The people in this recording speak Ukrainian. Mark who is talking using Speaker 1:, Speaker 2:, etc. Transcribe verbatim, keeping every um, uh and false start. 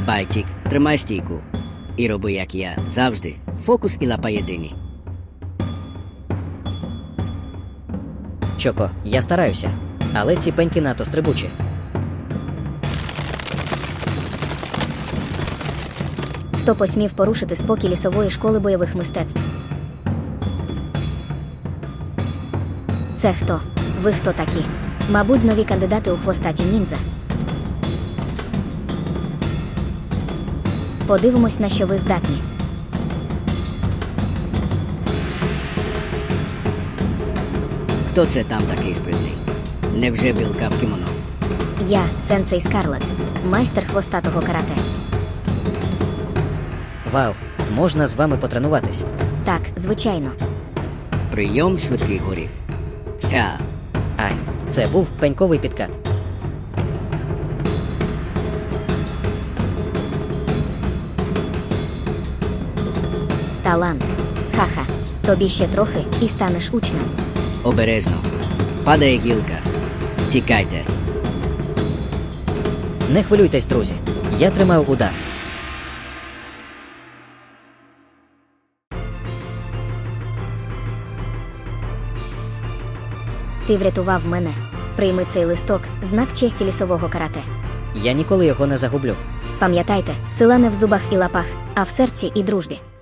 Speaker 1: Байчик, тримай стійку. І роби, як я. Завжди. Фокус і лапа єдині.
Speaker 2: Чоко, я стараюся. Але ці пеньки надто стрибучі.
Speaker 3: Хто посмів порушити спокій лісової школи бойових мистецтв? Це хто? Ви хто такі? Мабуть, нові кандидати у хвостаті ніндзя. Подивимось, на що ви здатні.
Speaker 1: Хто це там такий спритний? Невже білка в кімоно?
Speaker 3: Я, сенсей Скарлет, майстер хвостатого карате.
Speaker 2: Вау, можна з вами потренуватись.
Speaker 3: Так, звичайно.
Speaker 1: Прийом швидкий горіх. Ха.
Speaker 2: Ай, це був пеньковий підкат.
Speaker 3: Талант. Ха-ха. Тобі ще трохи і станеш учнем.
Speaker 1: Обережно. Падає гілка. Тікайте.
Speaker 2: Не хвилюйтесь, друзі. Я тримаю удар.
Speaker 3: Ти врятував мене. Прийми цей листок, знак честі лісового карате.
Speaker 2: Я ніколи його не загублю.
Speaker 3: Пам'ятайте, сила не в зубах і лапах, а в серці і дружбі.